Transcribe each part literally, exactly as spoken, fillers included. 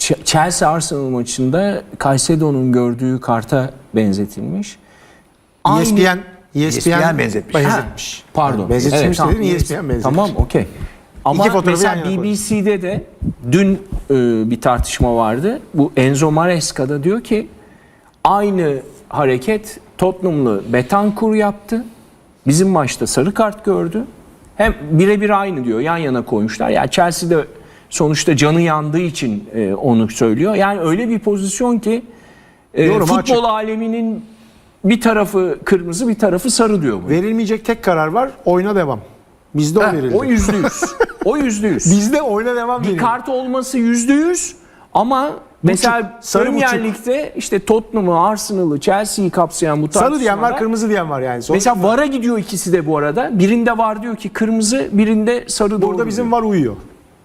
Chelsea Arsenal maçında Caicedo'nun gördüğü karta benzetilmiş. E S P N E S P N benzetmiş. benzetmiş. Pardon. Yani benzetmiş evet, dedin, E S P N benzetmiş. Tamam, okey. Ama mesela yan yana B B C'de de dün e, bir tartışma vardı. Bu Enzo Maresca'da diyor ki aynı hareket Tottenham'lı Betancourt yaptı. Bizim maçta sarı kart gördü. Hem birebir aynı diyor. Yan yana koymuşlar. Yani Chelsea'de sonuçta canı yandığı için e, onu söylüyor. Yani öyle bir pozisyon ki e, futbol açık. aleminin bir tarafı kırmızı, bir tarafı sarı diyor bu. Verilmeyecek tek karar var. Oyna devam. Bizde o Heh, verildi. o yüzde yüz. O yüzde yüz. Bizde oyna devam Bir verildi. kart olması yüzde yüz ama mesela sarı Premier buçuk. Lig'de işte Tottenham'ı, Arsenal'ı, Chelsea'yi kapsayan bu tartışmalar. Sarı diyen var, kırmızı diyen var yani. Sonuçta Mesela VAR'a gidiyor ikisi de bu arada. Birinde VAR diyor ki kırmızı, birinde sarı doğru. burada bizim diyor. var uyuyor.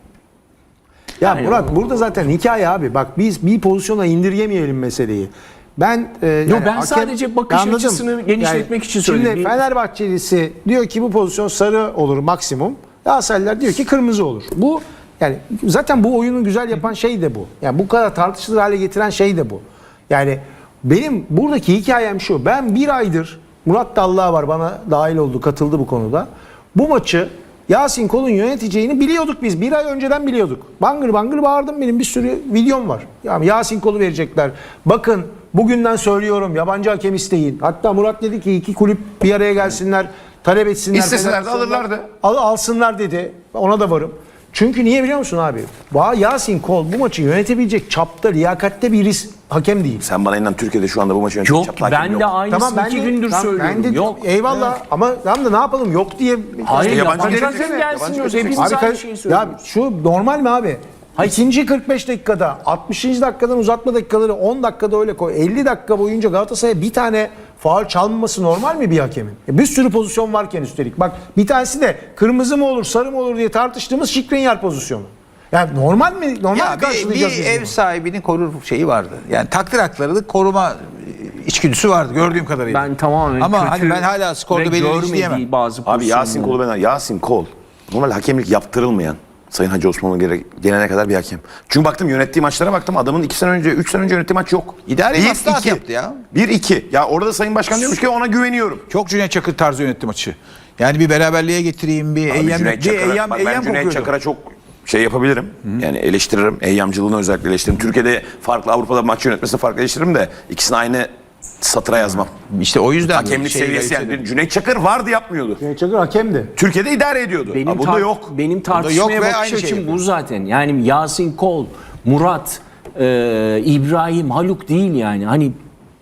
Ya Yani Murat o- burada zaten hikaye abi. Bak biz bir pozisyona indirgemeyelim meseleyi. Ben e, Yo, yani ben sadece bakış Anladım. açısını genişletmek için Şimdi söyledim. Fenerbahçelisi diyor ki bu pozisyon sarı olur maksimum. Galatasaraylılar diyor ki kırmızı olur. Bu yani zaten bu oyunu güzel yapan şey de bu. Yani bu kadar tartışılır hale getiren şey de bu. Yani benim buradaki hikayem şu. Ben bir aydır Murat Dallağ var bana dahil oldu, katıldı bu konuda. Bu maçı Yasin Kol'un yöneteceğini biliyorduk biz. Bir ay önceden biliyorduk. Bangır bangır bağırdım, benim bir sürü videom var. Yani Yasin Kol'u verecekler. Bakın bugünden söylüyorum, yabancı hakem isteyin. Hatta Murat dedi ki iki kulüp bir araya gelsinler, talep etsinler. İsteseler de alırlardı. Al, alsınlar dedi. Ona da varım. Çünkü niye biliyor musun abi? Yasin Kol bu maçı yönetebilecek çapta, liyakatte bir risk hakem değil. Sen bana inan Türkiye'de şu anda bu maçı yönetecek Yok, çaplı hakem ben yok. de aynısını Tamam ben iki de, gündür tamam, söylüyorum. ben de, Yok. eyvallah ama tamam da ne yapalım yok diye. Hayır, yabancı yabancı gelecek. hakem gelsin Yabancı diyoruz. gelecek. Hepimiz Abi, aynı ka- şeyi ya söylüyoruz. şu normal mi abi? İkinci kırk beş dakikada, altmışıncı dakikadan uzatma dakikaları on dakikada öyle koy. elli dakika boyunca Galatasaray'a bir tane faul çalmaması normal mi bir hakemin? E bir sürü pozisyon varken üstelik. Bak bir tanesi de kırmızı mı olur, sarı mı olur diye tartıştığımız Skriniar pozisyonu. Yani normal mi? Normal Ya mi bir, karşılayacağız bir biz ev bunu? sahibinin korur şeyi vardı. Yani takdir haklarını koruma içgüdüsü vardı gördüğüm kadarıyla. Ben tamamen Ama kötü hani ben hala skorda ve belirleyici görmediği diyemem. bazı Abi Yasin pozisyonları. Kol'u ben Yasin Kol normal hakemlik yaptırılmayan Sayın Hacı Osman'a gele- gelene kadar bir hakem. Çünkü baktım yönettiği maçlara baktım adamın iki sene önce, üç sene önce yönettiği maç yok. İdari Bir, maslahat iki. yaptı ya. Bir iki. Ya orada Sayın Başkan diyormuş ki ona güveniyorum. Çok Cüneyt Çakır tarzı yönetti maçı. Yani bir beraberliğe getireyim, bir Abi eyyam, Cüneyt bir Çakır'a, eyyam, bak ben eyyam Cüneyt kokuyordu. Çakır'a çok şey yapabilirim. Yani eleştiririm. Eyyamcılığını özellikle eleştiririm. Türkiye'de farklı, Avrupa'da maç yönetmesini farklı eleştiririm de ikisini aynı satıra yazmam. İşte o yüzden Hakemlik şey seviyesi garipsedim. yani. Cüneyt Çakır vardı yapmıyordu. Cüneyt Çakır hakemdi. Türkiye'de idare ediyordu. Benim, Ha, bunda tar- yok. benim tartışmaya yok ve bakış aynı şey açım yapıyor. bu zaten. Yani Yasin Kol, Murat, e, İbrahim, Haluk değil yani. Hani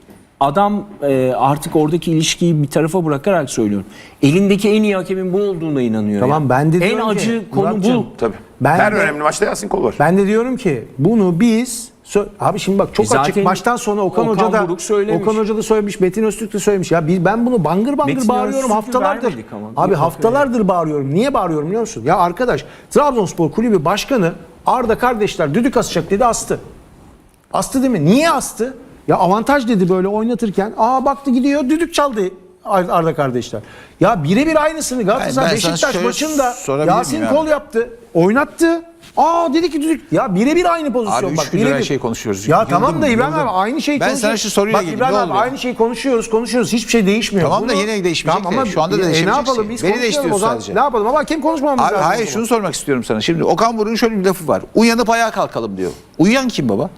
adam e, artık oradaki ilişkiyi bir tarafa bırakarak söylüyorum. Elindeki en iyi hakemin bu olduğuna inanıyor. Tamam, ya. ben de En diyorum ki, acı konu Muratcığım, bu. Tabii. Ben Her de- önemli maçta Yasin Kol var. Ben de diyorum ki bunu biz sö- abi şimdi bak çok Zaten açık baştan sonra Okan, Okan Hoca da Buruk söylemiş. Okan Hoca da söylemiş, Metin Öztürk de söylemiş. Ya biz ben bunu bangır bangır Metin bağırıyorum Öztürk'ü haftalardır. vermedik ama. Abi Yok, haftalardır bağırıyorum. Niye bağırıyorum biliyor musun? Ya arkadaş Trabzonspor Kulübü Başkanı Arda kardeşler düdük asacak dedi, astı. Astı değil mi? Niye astı? Ya avantaj dedi böyle oynatırken. Aa baktı gidiyor düdük çaldı Arda kardeşler. Ya birebir aynısını Galatasaray Ben- ben sana Beşiktaş şöyle maçında sorabilir Yasin miyim Kol abi? yaptı. Oynattı. Aa dedi ki düdük. Ya birebir aynı pozisyon. Abi üç Bak, gündür birebir. her şeyi konuşuyoruz. Ya Yıldım, tamam da İbrahim yıldım. abi aynı şeyi Ben sana konuşuyoruz. şu soruyla Bak geleyim, İbrahim ne abi oluyor? aynı şeyi konuşuyoruz konuşuyoruz. Hiçbir şey değişmiyor. Tamam da yine değişmeyecek Tamam de, şu anda da e, değişemeyecek ne yapalım şey. biz Beni konuşalım değiştiriyoruz o zaman. sadece. Ne yapalım ama hakem konuşmamamız Abi lazım. hayır o zaman. şunu sormak istiyorum sana. Şimdi Okan Buruk'un şöyle bir lafı var. Uyanıp ayağa kalkalım diyor. Uyuyan kim baba?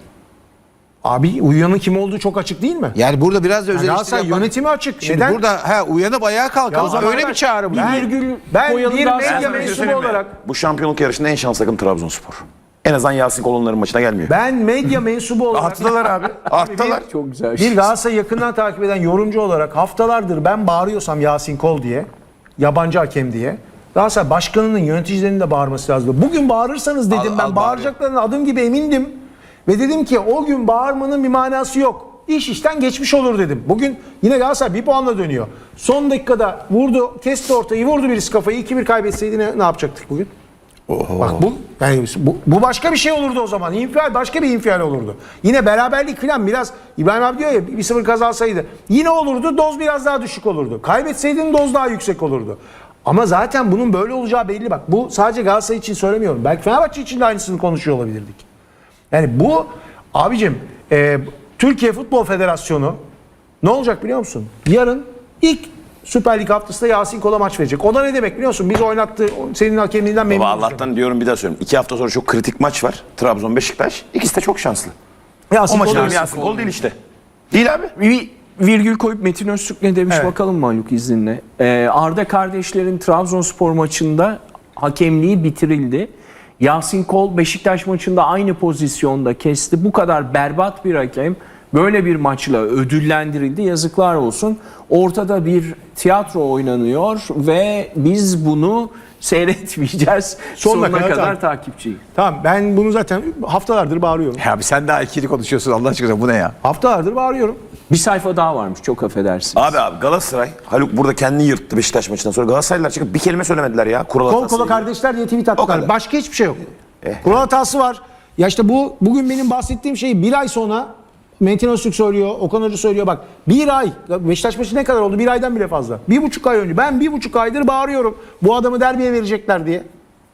Abi uyuyanın kim olduğu çok açık değil mi? Yani burada biraz da Yani özel Galatasaray yönetimi açık. Şimdi Neden? burada ha uyanıp ayağa Ya o kalkalım. zaman Öyle ben- bir çağrı bu. Bir Ben- virgül ben koyalım bir daha medya sonra. Ben sana bir şey mensubu söyleyeyim mi? olarak- Bu şampiyonluk yarışında en şanslı takım Trabzonspor. En azından Yasin Kol onların maçına gelmiyor. Ben medya mensubu olarak Arttılar abi. Arttılar. Çok güzel. bir Galatasaray'ı yakından takip eden yorumcu olarak haftalardır ben bağırıyorsam Yasin Kol diye, yabancı hakem diye, Galatasaray başkanının, yöneticilerinin de bağırması lazım. Bugün bağırırsanız dedim Al- ben al bağıracaklarına adım gibi emindim. Ve dedim ki o gün bağırmanın bir manası yok. İş işten geçmiş olur dedim. Bugün yine Galatasaray bir puanla dönüyor. Son dakikada vurdu, kesti ortayı, vurdu birisi kafayı. iki bir kaybetseydi ne, ne yapacaktık bugün? Bak bu, yani bu bu başka bir şey olurdu o zaman. İnfial başka bir infial olurdu. Yine beraberlik falan biraz İbrahim abi diyor ya bir sıfır kazansaydı yine olurdu. Doz biraz daha düşük olurdu. Kaybetseydin doz daha yüksek olurdu. Ama zaten bunun böyle olacağı belli bak. Bu sadece Galatasaray için söylemiyorum. Belki Fenerbahçe için de aynısını konuşuyor olabilirdik. Yani bu abicim e, Türkiye Futbol Federasyonu ne olacak biliyor musun? Yarın ilk Süper Lig haftasında Yasin Kol'a maç verecek. O da ne demek biliyor musun? Biz oynattı senin hakemliğinden memnun Baba olacak. Allah'tan diyorum bir daha söylüyorum. İki hafta sonra çok kritik maç var. Trabzon Beşiktaş. İkisi de çok şanslı. Yasin O maçın Kol- önemi Yasin Kol değil işte. Değil abi. Bir virgül koyup Metin Öztürk ne demiş Evet. bakalım mı Haluk izninle. Ee, Arda kardeşlerin Trabzonspor maçında hakemliği bitirildi. Yasin Kol Beşiktaş maçında aynı pozisyonda kesti. Bu kadar berbat bir hakem böyle bir maçla ödüllendirildi. Yazıklar olsun. Ortada bir tiyatro oynanıyor ve biz bunu seyretmeyeceğiz. Sonuna Sonuna, kadar kadar takip- takipçiyiz. Tamam ben bunu zaten haftalardır bağırıyorum. Ya abi sen daha ikili konuşuyorsun Allah aşkına, bu ne ya? Haftalardır bağırıyorum. Bir sayfa daha varmış, çok affedersiniz. Abi abi Galatasaray, Haluk burada kendini yırttı Beşiktaş maçından sonra. Galatasaraylılar çıkıp bir kelime söylemediler ya. Kural Kol hatası kola diye. kardeşler diye tweet O attılar. kadar. Başka hiçbir şey yok. Kural hatası var. Ya işte bu bugün benim bahsettiğim şeyi bir ay sonra Metin Öztürk söylüyor, Okan Hoca söylüyor. Bak bir ay, Beşiktaş maçı ne kadar oldu? Bir aydan bile fazla. Bir buçuk ay önce. Ben bir buçuk aydır bağırıyorum. Bu adamı derbiye verecekler diye.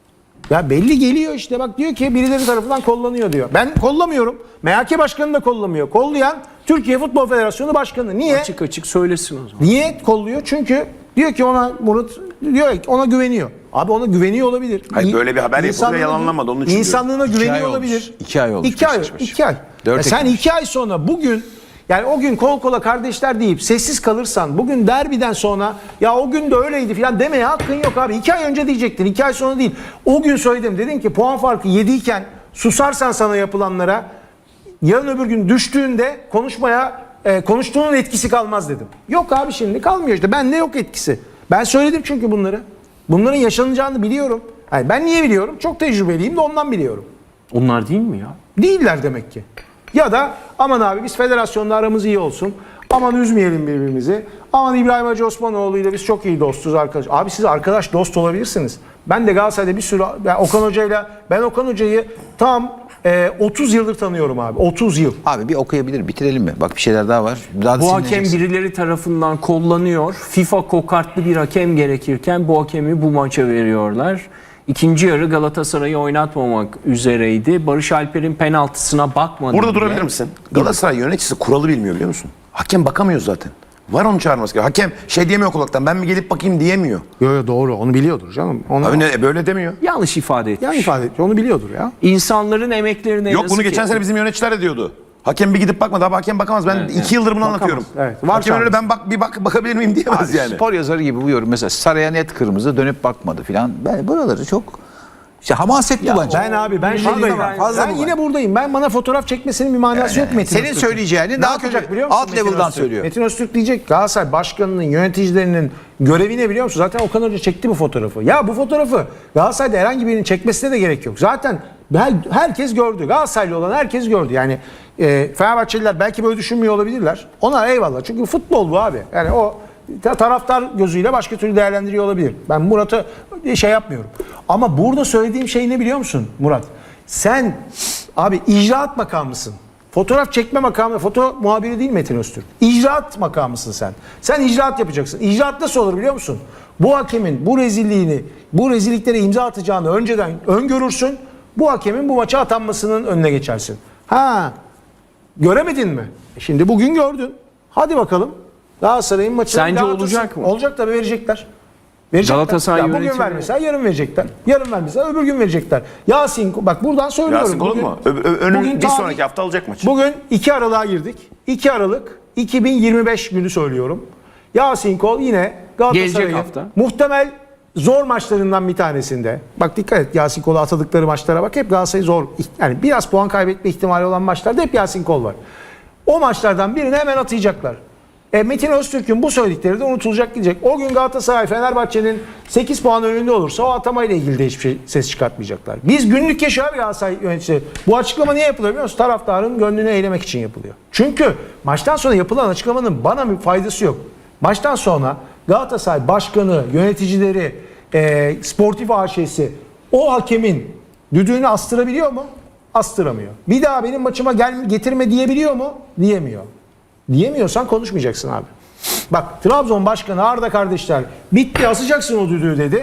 Ya belli geliyor işte, bak diyor ki birileri tarafından kollanıyor diyor. Ben kollamıyorum. M H K Başkanı da kollamıyor. Kollayan Türkiye Futbol Federasyonu Başkanı. Niye? Açık açık söylesin o zaman. Niye kolluyor? Çünkü diyor ki ona Murat diyor ki ona güveniyor. Abi ona güveniyor olabilir. Hayır, İ- böyle bir haber yapıldı ve insanlığına- yalanlanmadı, onun için diyorum. İnsanlığına İki güveniyor ay olmuş. olabilir. İki ay olmuş İki ay, Beşiktaş maçı. iki ay. Dört Ya sen Ekim. iki ay sonra bugün, yani o gün kol kola kardeşler deyip sessiz kalırsan, bugün derbiden sonra ya o gün de öyleydi falan demeye hakkın yok abi. İki ay önce diyecektin, iki ay sonra değil. O gün söyledim, dedin ki puan farkı yediyken susarsan sana yapılanlara, yarın öbür gün düştüğünde konuşmaya e, konuştuğunun etkisi kalmaz dedim. Yok abi, şimdi kalmıyor işte. Bende yok etkisi. Ben söyledim çünkü bunları. Bunların yaşanacağını biliyorum. Yani ben niye biliyorum? Çok tecrübeliyim de ondan biliyorum. Onlar değil mi ya? Değiller demek ki. Ya da aman abi biz federasyonla aramız iyi olsun. Aman üzmeyelim birbirimizi. Aman İbrahim Hacı Osmanoğlu ile biz çok iyi dostuz arkadaş. Abi siz arkadaş dost olabilirsiniz. Ben de Galatasaray'da bir sürü, ben Okan Hoca'yla, ben Okan Hoca'yı tam e, otuz yıldır tanıyorum abi. otuz yıl. Abi bir okuyabilir, bitirelim mi? Bak bir şeyler daha var. Daha da Bu hakem sinirleneceksin. birileri tarafından kollanıyor. FIFA kokartlı bir hakem gerekirken bu hakemi bu maça veriyorlar. İkinci yarı Galatasaray'ı oynatmamak üzereydi. Barış Alper'in penaltısına bakmadı. Burada bile. durabilir misin? Galatasaray yöneticisi kuralı bilmiyor biliyor musun? Hakem bakamıyor zaten. Var onu çağırması gerekiyor. Hakem şey diyemiyor kulaktan, ben mi gelip bakayım diyemiyor. Yo, yo, doğru, onu biliyordur canım. Onu, Abi ne, böyle demiyor. Yanlış ifade etmiş. yani ifade etti, onu biliyordur ya. İnsanların emeklerine Yok, yazık bunu geçen etti. sene bizim yöneticiler de diyordu. Hakem bir gidip bakmadı. Abi hakem bakamaz. Ben Evet, iki yıldır bunu anlatıyorum. Evet, var Hakem öyle çağırması. ben bak bir bak bakabilir miyim diyemez Abi, yani. Spor yazarı gibi bu yorum. Mesela Saray'a net kırmızı, dönüp bakmadı filan. Ben buraları çok işte hamasetli bence. Ben abi ben Fazla şuradayım. bu var, Ben, fazla ben bu yine var. buradayım. Ben, bana fotoğraf çekmesinin bir manası yok Metin Senin Öztürk'ün. söyleyeceğini Ne daha yapacak kötü, biliyor musun? alt Metin level'dan Öztürk? söylüyor. Metin Öztürk diyecek Galatasaray Başkanı'nın, yöneticilerinin görevi ne biliyor musun? Zaten Okan Hoca çekti bu fotoğrafı. Ya bu fotoğrafı Galatasaray'da herhangi birinin çekmesine de gerek yok. Zaten her, herkes gördü. Galatasaraylı olan herkes gördü. Yani e, Fenerbahçeliler belki böyle düşünmüyor olabilirler. Ona eyvallah. Çünkü futbol bu abi. Yani o ta- taraftar gözüyle başka türlü değerlendiriyor olabilir. Ben Murat'a şey yapmıyorum. Ama burada söylediğim şey ne biliyor musun Murat? Sen abi icraat makamısın. Fotoğraf çekme makamı, foto muhabiri değil Metin Öztürk. İcraat makamısın sen. Sen icraat yapacaksın. İcraat nasıl olur biliyor musun? Bu hakemin bu rezilliğini, bu rezilliklere imza atacağını önceden öngörürsün. Bu hakemin bu maça atanmasının önüne geçersin. Ha, göremedin mi? E Şimdi bugün gördün. Hadi bakalım. Galatasaray'ın maçı. Sence olacak mı? Olacak tabii, verecekler. Verecekler. Galatasaray Ya bugün yönetimi- vermesen yarın verecekler. Yarın vermesen öbür gün verecekler. Yasin bak buradan söylüyorum. Yasin Kol Bugün- mu? Ö- ö- önün bugün bir tarih- sonraki hafta alacak maçı. Bugün iki Aralık'a girdik. iki Aralık iki bin yirmi beş günü söylüyorum. Yasin Kol yine Galatasaray'ın Gelecek hafta. muhtemel zor maçlarından bir tanesinde. Bak dikkat et, Yasin Kol'a atadıkları maçlara bak. Hep Galatasaray zor. Yani biraz puan kaybetme ihtimali olan maçlarda hep Yasin Kol var. O maçlardan birini hemen atayacaklar. E, Metin Öztürk'ün bu söyledikleri de unutulacak gidecek. O gün Galatasaray Fenerbahçe'nin sekiz puan önünde olursa o atamayla ilgili de hiçbir şey, ses çıkartmayacaklar. Biz günlük yaşıyor Galatasaray yöneticisi. Bu açıklama niye yapılıyor biliyor musun? Taraftarın gönlünü eğlemek için yapılıyor. Çünkü maçtan sonra yapılan açıklamanın bana bir faydası yok. Maçtan sonra Galatasaray başkanı, yöneticileri, e, sportif A Ş'si o hakemin düdüğünü astırabiliyor mu? Astıramıyor. Bir daha benim maçıma gel getirme diyebiliyor mu? Diyemiyor. Diyemiyorsan konuşmayacaksın abi. Bak Trabzon Başkanı Arda kardeşler bitti, asacaksın o düdüğü dedi.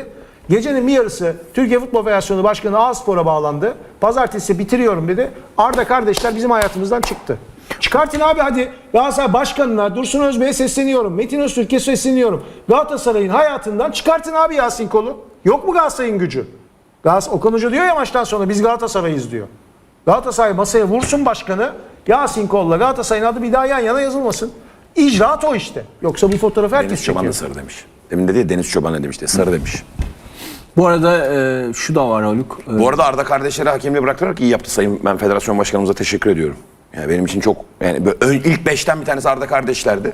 Gecenin bir yarısı Türkiye Futbol Federasyonu Başkanı Ağspor'a bağlandı. Pazartesi bitiriyorum dedi. Arda kardeşler bizim hayatımızdan çıktı. Çıkartın abi hadi. Galatasaray Başkanı'na, Dursun Özbey'e sesleniyorum. Metin Öztürk'e sesleniyorum. Galatasaray'ın hayatından çıkartın abi Yasin Kol'u. Yok mu Galatasaray'ın gücü? Galatasaray, Okan Hoca diyor ya maçtan sonra biz Galatasaray'ız diyor. Galatasaray masaya vursun başkanı. Yasin Kol'la Galatasaray'ın adı bir daha yan yana yazılmasın. İcraat o işte. Yoksa bu fotoğrafı herkes Deniz Çoban da çekiyor. sarı demiş. Demin dedi ya Deniz Çoban ne demişti? Sarı demiş. Bu arada e, şu da var Haluk. E, Bu arada Arda kardeşleri hakemliği bıraktılar ki iyi yaptı Sayın ben Federasyon Başkanımıza teşekkür ediyorum. Yani benim için çok yani böyle ön- ilk beşten bir tanesi Arda kardeşlerdi.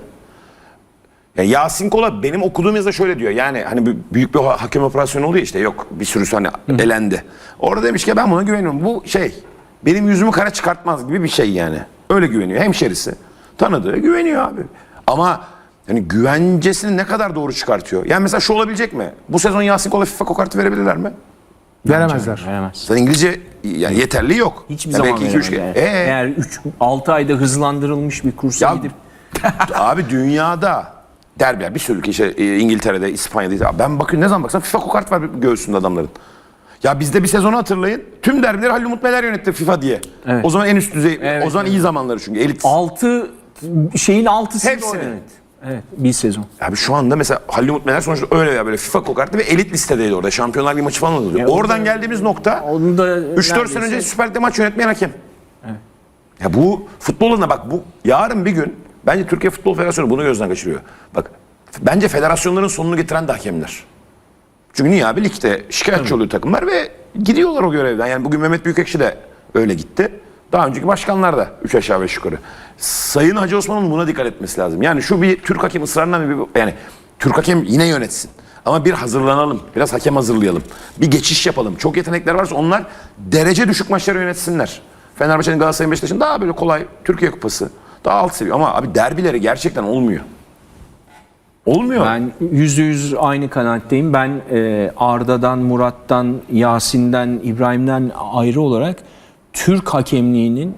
Ya Yasin Kola benim okuduğum yazıda şöyle diyor. Yani hani bir- büyük bir ha- hakem operasyonu oluyor işte yok bir sürüsü hani elendi. Orada demiş ki ben buna güveniyorum. Bu şey benim yüzümü kara çıkartmaz gibi bir şey yani. Öyle güveniyor. Hemşerisi tanıdığı güveniyor abi. Ama yani güvencesini ne kadar doğru çıkartıyor? Yani mesela şu olabilecek mi? Bu sezon Yasin Kola FIFA kokartı verebilirler mi? Veremezler. veremez. Zaten İngilizce yani yeterli yok. Hiçbir Ya zaman belki iki, üç veremez. kere- Yani. Ee? Eğer üç altı ayda hızlandırılmış bir kursa Ya- gidip Abi dünyada derbi bir sürü ülke işte e, İngiltere'de, İspanya'da. Ya ben bakın ne zaman baksam FIFA kokart var göğsünde adamların. Ya bizde bir sezonu hatırlayın. Tüm derbileri Halil Umut Meler yönetti FIFA diye. Evet. O zaman en üst düzey, Evet, o zaman iyi zamanları çünkü elit. altı şeyin altısında Hepsini. o, evet. Evet, bir sezon. Abi şu anda mesela Halil Umut Meler sonuçta öyle ya böyle FIFA kokarttı ve elit listedeydi orada. Şampiyonlar Ligi maçı falan oluyordu. Ya Oradan o da- geldiğimiz nokta Onu da üç dört sene neredeyse- önce Süper Lig'de maç yönetmeyen hakem. Ya bu futboluna bak bu yarın bir gün bence Türkiye Futbol Federasyonu bunu gözden kaçırıyor. Bak bence federasyonların sonunu getiren de hakemler. Çünkü niye abi ligde şikayetçi oluyor takımlar ve gidiyorlar o görevden. Yani bugün Mehmet Büyükekşi de öyle gitti. Daha önceki başkanlar da üç aşağı beş yukarı. Sayın Hacı Osman'ın buna dikkat etmesi lazım. Yani şu bir Türk hakem ısrarından bir yani Türk hakem yine yönetsin. Ama bir hazırlanalım. Biraz hakem hazırlayalım. Bir geçiş yapalım. Çok yetenekler varsa onlar derece düşük maçları yönetsinler. Fenerbahçe'nin Galatasaray'ın Beşiktaş'ın daha böyle kolay Türkiye Kupası. Daha alt seviye. Ama abi derbileri gerçekten olmuyor. Olmuyor. Ben yüzde yüz aynı kanaatteyim. Ben e, Arda'dan, Murat'tan, Yasin'den, İbrahim'den ayrı olarak Türk hakemliğinin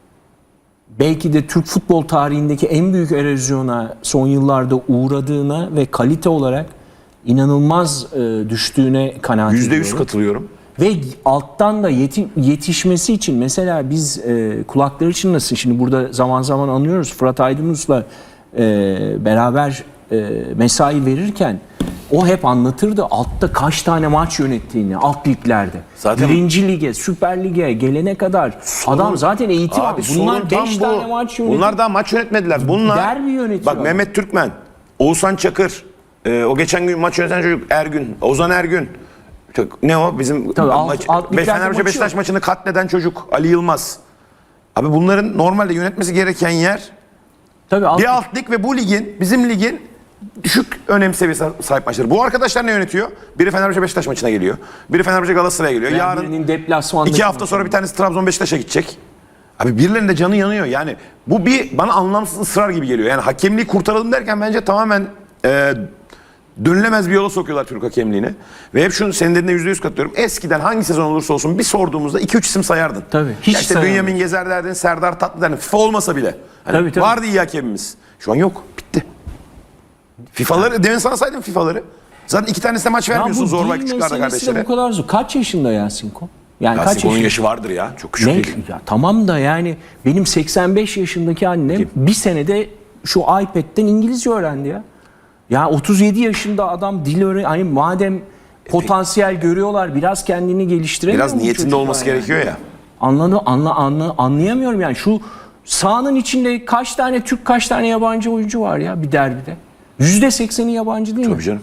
belki de Türk futbol tarihindeki en büyük erozyona son yıllarda uğradığına ve kalite olarak inanılmaz e, düştüğüne kanaat Yüzde yüz ediyorum. katılıyorum. Ve alttan da yeti- yetişmesi için mesela biz e, kulakları çınlasın. Şimdi burada zaman zaman anlıyoruz. Fırat Aydınus'la e, beraber e, mesai verirken o hep anlatırdı altta kaç tane maç yönettiğini alt liglerde. Zaten- Birinci lige, Süper Lig'e gelene kadar adam zaten eğitim Abi almış. sorun Bunlar tam beş bu. tane maç yönetiyor. Bunlar daha maç yönetmediler. Bunlar Derbi yönetiyor. Bak Mehmet Türkmen, Oğuzhan Çakır, e, o geçen gün maç yöneten çocuk Ergün, Ozan Ergün. Çok- Ne o bizim Tabii, alt- maç, alt liglerde Fenerbahçe maçı Beşiktaş yok. maçını katleden çocuk Ali Yılmaz. Abi bunların normalde yönetmesi gereken yer Tabii alt- bir alt lig ve bu ligin bizim ligin düşük önem seviyesi sahip maçları. Bu arkadaşlar ne yönetiyor? Biri Fenerbahçe Beşiktaş maçına geliyor. Biri Fenerbahçe Galatasaray'a geliyor. birinin Yarın deplasmandaki iki hafta maçı. sonra bir tanesi Trabzon Beşiktaş'a gidecek. Abi birilerinin de canı yanıyor. Yani bu bir bana anlamsız ısrar gibi geliyor. Yani hakemliği kurtaralım derken bence tamamen e, dönülemez bir yola sokuyorlar Türk hakemliğini. Ve hep şunu senin dediğine yüzde yüz katılıyorum. Eskiden hangi sezon olursa olsun bir sorduğumuzda iki üç isim sayardın. Tabii, hiç Ya işte sayamam. Bünyamin Gezer derdin, Serdar Tatlı derdin. FIFA olmasa bile. Hani Tabii, tabii. vardı iyi hakemimiz. Şu an yok. Bitti. FIFA'ları, demin sana saydım FIFA'ları. Zaten iki tanesine maç Ya vermiyorsun bu zorla dil küçüklarda meselesi de kardeşlere. bu kadar zor. Kaç yaşında Yasinko? Yani Yasin kaç Kol'un yaşında? yaşı vardır ya. Çok küçük Ne? değil. Ya tamam da yani benim seksen beş yaşındaki annem Kim? bir senede şu iPad'den İngilizce öğrendi ya. Ya otuz yedi yaşında adam dil öğren hani madem potansiyel görüyorlar biraz kendini geliştiremiyor Biraz mu bu niyetinde çocuklar olması yani? gerekiyor ya. Anladı, anla, anla, anlayamıyorum yani şu sahanın içinde kaç tane Türk kaç tane yabancı oyuncu var ya bir derbide. yüzde sekseni yabancı değil mi? Tabii canım.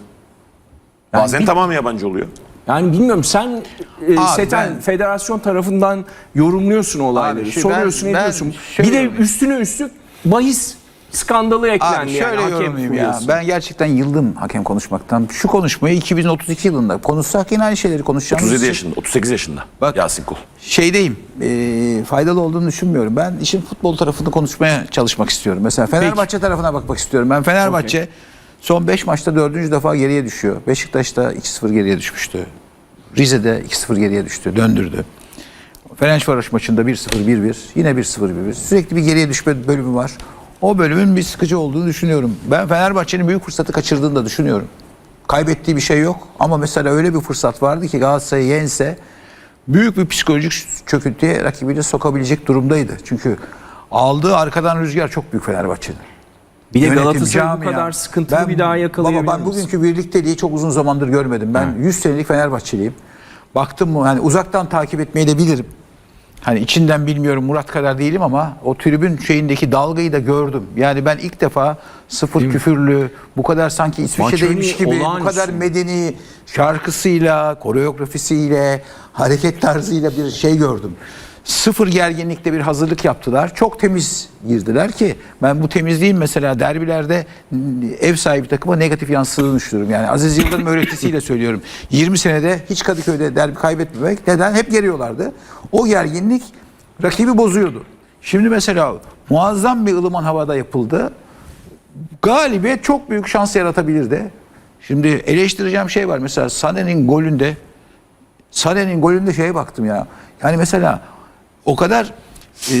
Yani Bazen bir- tamamı yabancı oluyor. Yani bilmiyorum sen e, Abi Seten ben- federasyon tarafından yorumluyorsun olayları. Abi şu soruyorsun, ben- ediyorsun. ben Bir de şöyle- üstüne üstlük bahis skandalı eklendi Abi şöyle yani hakem yorumlayayım ya. furyası. Ben gerçekten yıldım hakem konuşmaktan. Şu konuşmayı iki bin otuz iki yılında konuşsak yine aynı şeyleri konuşacağımız otuz yedi için yaşında, otuz sekiz yaşında. Bak- Yasin Kul. şeydeyim. E, faydalı olduğunu düşünmüyorum. Ben işin futbol tarafını konuşmaya çalışmak istiyorum. Mesela Fenerbahçe tarafına bakmak istiyorum. Ben Fenerbahçe son beş maçta dördüncü defa geriye düşüyor. Beşiktaş'ta iki sıfır geriye düşmüştü. Rize'de iki sıfır geriye düştü. Döndürdü. Fenerbahçe maçında bir sıfır bir bir. Yine bir sıfır bir bir. Sürekli bir geriye düşme bölümü var. O bölümün bir sıkıcı olduğunu düşünüyorum. Ben Fenerbahçe'nin büyük fırsatı kaçırdığını da düşünüyorum. Kaybettiği bir şey yok. Ama mesela öyle bir fırsat vardı ki Galatasaray'ı yense büyük bir psikolojik çöküntüye rakibini sokabilecek durumdaydı. Çünkü aldığı arkadan rüzgar çok büyük Fenerbahçe'nin. Bir de Yönetim, Galatasaray bu camia. kadar sıkıntılı Ben- bir daha yakalayabilir Baba ben misin? bugünkü birlikteliği çok uzun zamandır görmedim. Ben yüz senelik Fenerbahçeliyim. Baktım mı hani uzaktan takip etmeyi de bilirim. Hani içinden bilmiyorum Murat kadar değilim ama o tribün şeyindeki dalgayı da gördüm. Yani ben ilk defa sıfır küfürlü, bu kadar sanki İsviçre'deymiş Maç gibi, önü bu olağanüstü. kadar medeni şarkısıyla, koreografisiyle, hareket tarzıyla bir şey gördüm. Sıfır gerginlikte bir hazırlık yaptılar. Çok temiz girdiler ki ben bu temizliğin mesela derbilerde ev sahibi takıma negatif yansıdığını düşünüyorum. Yani Aziz Yıldırım öğretisiyle söylüyorum. yirmi senede hiç Kadıköy'de derbi kaybetmemek. Neden? Hep geriyorlardı. O gerginlik rakibi bozuyordu. Şimdi mesela muazzam bir ılıman havada yapıldı. Galibiyet çok büyük şans yaratabilirdi. Şimdi eleştireceğim şey var. Mesela Sané'nin golünde Sané'nin golünde şeye baktım ya. Yani mesela o kadar e,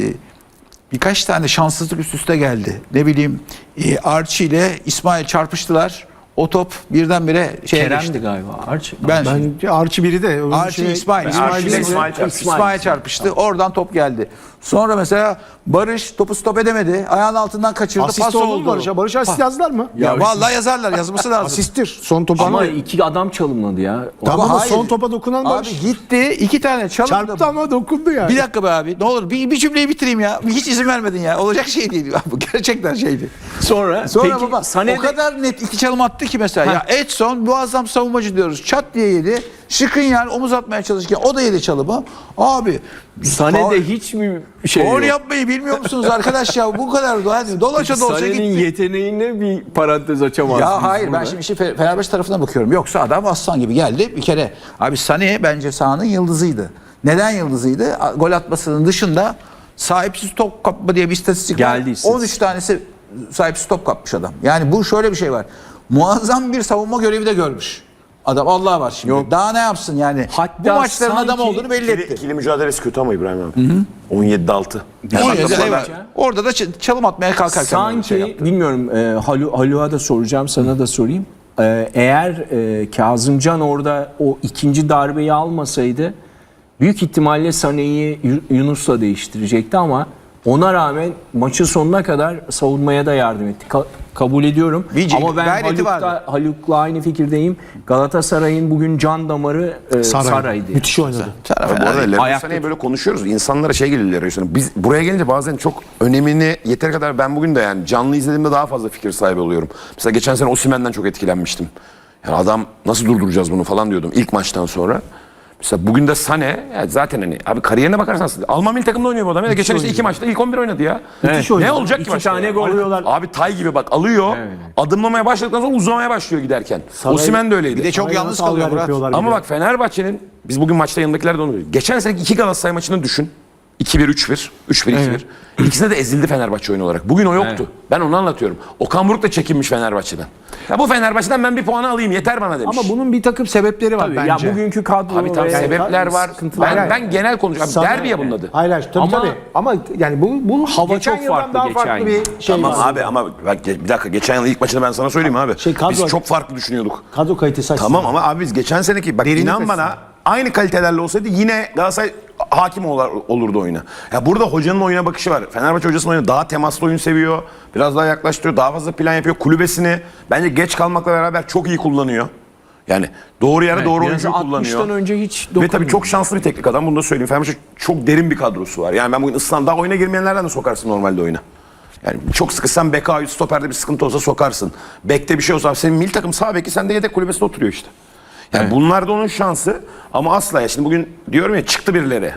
birkaç tane şanssızlık üst üste geldi. Ne bileyim e, Archie ile İsmail çarpıştılar. O top birdenbire şeye Kerem'di geçti. galiba. Arç. Ben, Ben Archie biri de. öbür Archie şey- İsmail, İsmail İsmail, ile İsmail, İsmail çarpıştı. İsmail çarpıştı. Oradan top geldi. Sonra mesela Barış topu stop edemedi. Ayağın altından kaçırdı. Asist pas oldu mu oldu. Barış'a? Barış asist yazdılar mı? Ya, vallahi yazarlar, yazması lazım. Asisttir. Son topa Ama ama, iki adam çalımladı ya. tamam Ama ama hayır. son topa dokunan Abi Barış. gitti iki tane çalımdı. Çarptı ama dokundu yani. Bir dakika be abi. Ne olur bir, bir cümleyi bitireyim ya. Hiç izin vermedin ya. Olacak şey değil. Bu gerçekten şeydi. Sonra, Sonra peki, baba Sané o de- kadar net iki çalım attı ki mesela. Ya Edson muazzam savunmacı diyoruz. Çat diye yedi. Skriniar omuz atmaya çalışırken o da yedi çalımı. Abi Sané faul- de hiç mi şey faul yok? yapmayı bilmiyor musunuz arkadaş ya? Bu kadar da hani dolaşa dolaşa Sané'nin gitti. yeteneğine bir parantez açamazsınız. Ya hayır ben burada. şimdi işi Fe- Fenerbahçe tarafına bakıyorum. Yoksa adam aslan gibi geldi. Bir kere abi Sané bence sahanın yıldızıydı. Neden yıldızıydı? A- Gol atmasının dışında sahipsiz top kapma diye bir istatistik var. Geldi istatistik. on üç tanesi sahipsiz top kapmış adam. Yani bu şöyle bir şey var. Muazzam bir savunma görevi de görmüş. Adam Allah var şimdi. Yok. Daha ne yapsın yani? Hatta bu maçların sanki adam olduğunu belli İkili, etti. ikili mücadelesi kötü ama İbrahim abi. on yedide altı. On yedi, bak- evet. Orada da ç- çalım atmaya kalkarken böyle bir Sanki şey yaptı. bilmiyorum e, Halu, Haluk'a da soracağım, sana da sorayım. E, eğer e, Kazımcan orada o ikinci darbeyi almasaydı büyük ihtimalle Sané'yi Yu- Yunus'la değiştirecekti ama ona rağmen maçın sonuna kadar savunmaya da yardım etti. Ka- kabul ediyorum. Bir ama ben gayreti vardı. Haluk'la, Haluk'la aynı fikirdeyim. Galatasaray'ın bugün can damarı e, Saray. Saray'dı. Müthiş oynadı. Taraf Bu arada fena değil. Leroy Ayakta Sané'yi böyle konuşuyoruz. İnsanlara şey geliyor Leroy Sané. Biz buraya gelince bazen çok önemini yeteri kadar ben bugün de yani canlı izlediğimde daha fazla fikir sahibi oluyorum. Mesela geçen sene Osimhen'den çok etkilenmiştim. Yani adam nasıl durduracağız bunu falan diyordum ilk maçtan sonra. Mesela bugün de Sané yani zaten hani abi kariyerine bakarsan Alman milli takımda oynuyor bu adam. Ya. Geçen işte iki maçta ilk on bir oynadı ya. Evet. Ne olacak ki İki maçta tane ya? gol. Alıyorlar. Abi tay gibi bak alıyor. Adımlamaya başladıktan sonra uzamaya başlıyor giderken. Osimhen de öyleydi. Bir de çok Saray'a yalnız nasıl kalıyor alver Murat. yapıyorlar Ama bir de. bak Fenerbahçe'nin biz bugün maçta yanındakiler de onu görüyoruz. Geçen seneki iki Galatasaray maçını düşün. iki bir üç bir, üç bir iki bir. İkisinde de ezildi Fenerbahçe oyun olarak. Bugün o yoktu. Evet. Ben onu anlatıyorum. Okan Buruk da çekinmiş Fenerbahçe'den. Ya bu Fenerbahçe'den ben bir puanı alayım yeter bana demiş. Ama bunun bir takım sebepleri var Tabii, bence. ya bugünkü kadro Abi tam ve- sebepler var. sıkıntılar Ben, var. ben genel konuşuyorum. Sana- Derbi ya bunun adı. Hayır hayır tabii Ama- tabii. Ama yani bu, bu Hava geçen çok yıldan farklı daha geçen farklı yıl. bir şey Tamam var. abi ama bak ge- bir dakika geçen yıl ilk maçını ben sana söyleyeyim abi. Şey, kadro- Biz çok farklı düşünüyorduk. Kadro kalitesi açısından. Tamam ama abi biz geçen seneki bak Derinlik inan açısından. bana aynı kalitelerle olsaydı yine Galatasaray hakim olar, olurdu oyuna. Ya burada hocanın oyuna bakışı var. Fenerbahçe hocasının oyunu daha temaslı oyun seviyor. Biraz daha yaklaştırıyor. Daha fazla plan yapıyor. Kulübesini bence geç kalmakla beraber çok iyi kullanıyor. Yani doğru yere doğru Biraz oyuncuyu kullanıyor. altmıştan önce hiç Ve dokunmuyor. tabii çok şanslı bir teknik adam. Bunu da söyleyeyim. Fenerbahçe çok derin bir kadrosu var. Yani ben bugün ıslan daha oyuna girmeyenlerden de sokarsın normalde oyuna. Yani çok sıkışsan beka ayı stoperde bir sıkıntı olsa sokarsın. Bekte bir şey olsa senin milli takım sağ beki sende yedek kulübesinde oturuyor işte. Yani Evet. bunlar da onun şansı ama asla ya şimdi bugün diyorum ya çıktı birileri.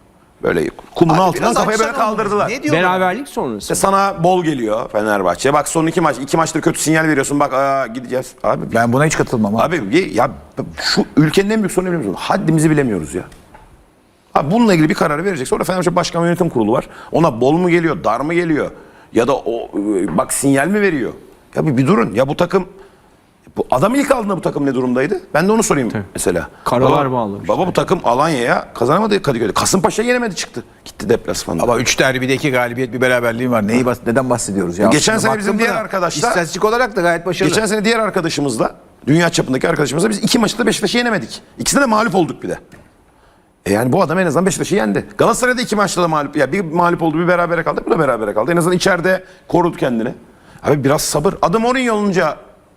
Böyle kumun Abi altından biraz kafaya böyle açsana onu. kaldırdılar. Ne diyorlar? Beraberlik sonrası. İşte sana bol geliyor Fenerbahçe. Bak son iki maç, iki maçtır kötü sinyal veriyorsun. Bak aa, gideceğiz. Abi, Ben buna hiç katılmam abi. abi ya şu ülkenin en büyük sorunu biliyor musun? Haddimizi bilemiyoruz ya. Abi bununla ilgili bir kararı verecek. Sonra Fenerbahçe Başkan ve Yönetim Kurulu var. Ona bol mu geliyor, dar mı geliyor? Ya da o e, bak sinyal mi veriyor? Ya bir, bir durun. Ya bu takım bu adam ilk aldığında bu takım ne durumdaydı? Ben de onu sorayım mesela. Karalar baba, bağlamış. Baba bu takım Alanya'ya kazanamadı Kadıköy'de. Kasımpaşa'ya yenemedi çıktı. Gitti deplasmanda. Ama üç derbide iki galibiyet bir beraberliğim var. Neyi bas neden bahsediyoruz ya? Geçen Aslında sene bizim baktım diğer buna, arkadaşlar- İstatistik olarak da gayet başarılı. Geçen sene diğer arkadaşımızla Dünya çapındaki arkadaşımıza biz iki maçta Beşiktaş'ı yenemedik. İkisinde de mağlup olduk bir de. E yani bu adam en azından Beşiktaş'ı yendi. Galatasaray'da iki maçta da mağlup. Ya bir mağlup oldu, bir berabere kaldı, bu da berabere kaldı. En azından içeride korudu kendini. Abi biraz sabır. Adı Mourinho olunca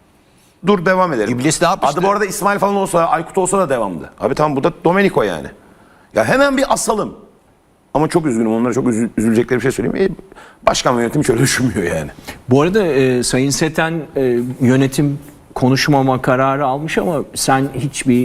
dur devam edelim. İblis ne yapmıştı? Adı bu arada İsmail falan olsa, Aykut olsa da devamdı. Abi tamam, bu da Domenico yani. Ya hemen bir asalım. Ama çok üzgünüm, onlara çok üzü- üzülecekleri bir şey söyleyeyim. E, başkan ve yönetim şöyle düşünmüyor yani. Bu arada e, Sayın Seten e, yönetim konuşmama kararı almış ama sen hiçbir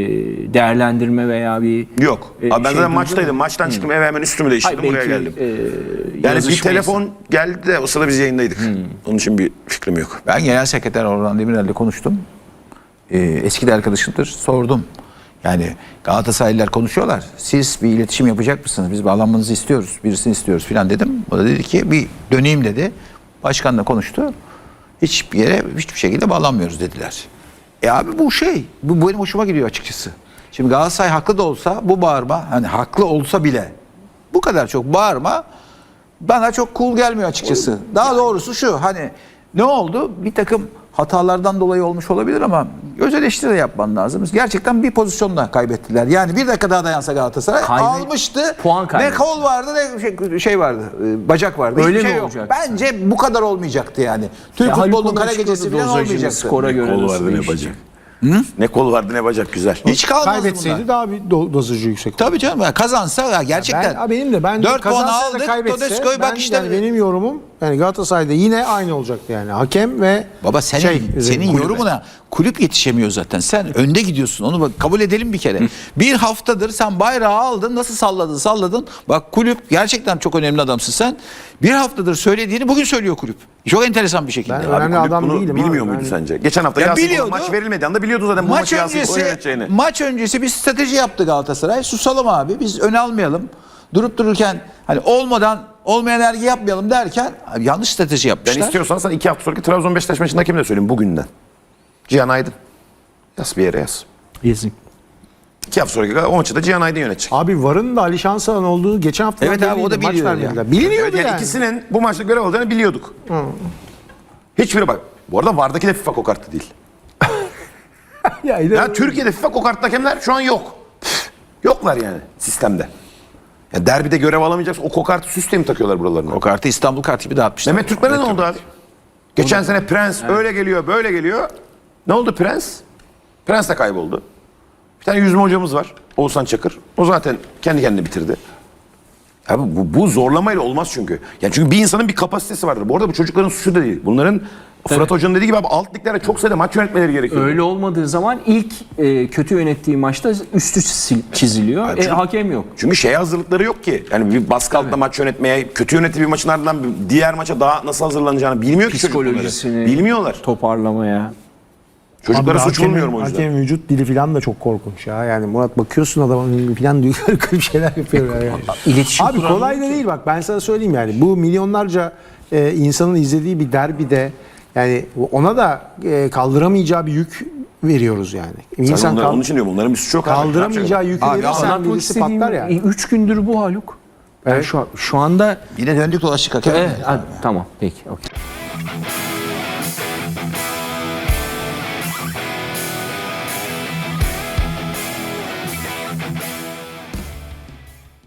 e, değerlendirme veya bir Yok. e, Abi ben şey zaten duydun maçtaydım. mu? Maçtan çıktım, eve hemen üstümü değiştirdim, Hayır, buraya belki, geldim. e, Yani bir yazışmayız. telefon geldi de o sırada biz yayındaydık. Onun için bir fikrim yok. Ben Genel Sekreter Orhan Demirel'le konuştum. Ee, eski de arkadaşımdır. Sordum. Yani Galatasaraylılar konuşuyorlar. Siz bir iletişim yapacak mısınız? Biz bağlanmanızı istiyoruz. Birisini istiyoruz filan dedim. O da dedi ki bir döneyim dedi. Başkanla konuştu. Hiçbir yere hiçbir şekilde bağlanmıyoruz dediler. E abi bu şey. Bu benim hoşuma gidiyor açıkçası. Şimdi Galatasaray haklı da olsa bu bağırma, hani haklı olsa bile bu kadar çok bağırma bana çok cool gelmiyor açıkçası. Daha doğrusu şu, hani ne oldu? Bir takım hatalardan dolayı olmuş olabilir ama öz eleştiri de yapman lazım. Gerçekten bir pozisyonla kaybettiler. Yani bir dakika daha dayansa Galatasaray Kaybet- almıştı. puan Ne kaybetti. kol vardı ne şey, şey vardı. e, Bacak vardı. Öyle Hiçbir mi şey yok. olacaktı? Bence bu kadar olmayacaktı yani. Türk Ya futbolunun Haluk kara Kovac gecesi çıkıyordu falan dozajını, olmayacaktı. skora göre Kol nasıl vardı ne değişti? bacak. Ne kol vardı ne bacak, güzel. Hiç kalmaz Kaybetseydi bunlar. daha bir do- dozajı yüksek. Tabii canım ya kazansa ya gerçekten. Ben, benim de ben dört puan kazansa da aldık. kaybetse, Todesco'yu ben, bak işte. yani benim yorumum yani Galatasaray'da yine aynı olacaktı yani. Hakem ve Baba senin şey, senin kulübe. yorumuna kulüp yetişemiyor zaten. Sen önde gidiyorsun. Onu bak kabul edelim bir kere. Bir haftadır sen bayrağı aldın. Nasıl salladın salladın. Bak kulüp gerçekten çok önemli adamsın sen. Bir haftadır söylediğini bugün söylüyor kulüp. Çok enteresan bir şekilde. Ben Abi önemli kulüp adam bunu değilim bilmiyor abi. muydu Ben- sence? Geçen hafta Ya Yasin biliyordu. maç verilmedi anda biliyordu zaten bu Maç maçı Yasin öncesi, yöneteceğini. maç öncesi bir strateji yaptı Galatasaray. Susalım abi. Biz öne almayalım. Durup dururken hani olmadan olmayan ergi yapmayalım derken abi yanlış strateji Ben yapmışlar. istiyorsan sana iki hafta sonraki Trabzon Beşiktaş maçının hakemi de söyleyeyim bugünden. Cihan Aydın. Yaz bir yere yaz. Yazık. İki hafta sonraki o maçı da Cihan Aydın yönetecek. Abi Varın da Ali Şansalan olduğu geçen hafta Evet abi, o da biliyor ya. Biliniyordu Evet, yani, yani. ikisinin bu maçta görev alacağını biliyorduk. Hiçbiri bak. Bu arada VAR'daki de FIFA kokartı değil. ya, Ya Türkiye'de FIFA kokartlı hakemler şu an yok. Yoklar yani sistemde. Ya derbide görev alamayacaksın. O kokartı sistemi takıyorlar buralarına. O kartı İstanbul kartı gibi dağıtmışlar. Mehmet Türkmen'e ne oldu abi? Geçen sene Prens öyle geliyor, böyle geliyor. Ne oldu Prens? Prens de kayboldu. Bir tane yüzme hocamız var. Oğuzhan Çakır. O zaten kendi kendini bitirdi. Abi bu, bu zorlamayla olmaz çünkü. Yani çünkü bir insanın bir kapasitesi vardır. Bu arada bu çocukların suçu da değil. Bunların Fırat Hoca'nın dediği gibi abi alt liglerde çok sayıda maç yönetmeleri gerekiyor. Öyle olmadığı zaman ilk e, kötü yönettiği maçta üstü sil- çiziliyor. Abi E, çünkü- hakem yok. Çünkü şeye hazırlıkları yok ki. Yani bir baskı altında maç yönetmeye, kötü yönettiği bir maçın ardından diğer maça daha nasıl hazırlanacağını bilmiyor ki çocuk bunları. Psikolojisini Bilmiyorlar. toparlamaya. Çocuklara Abi suç hakemin- bulmuyorum o yüzden. Hakemin vücut dili falan da çok korkunç ya. Yani Murat bakıyorsun adamın falan diyor garip şeyler yapıyor yani. İletişim Abi kuramıyor kolay da ki. değil bak ben sana söyleyeyim yani. Bu milyonlarca e, insanın izlediği bir derbide yani ona da e, kaldıramayacağı bir yük veriyoruz yani. Sen İnsan onları, kal- onun için diyorum. Onların bir suçu yok. abi. kaldıramayacağı yükü Abi, verirsen Anlatmak birisi istediğim patlar yani. üç gündür bu Haluk. Ben Evet. şu, şu anda Yine döndük dolaştık hakeme. Evet, hadi, tamam peki. okey.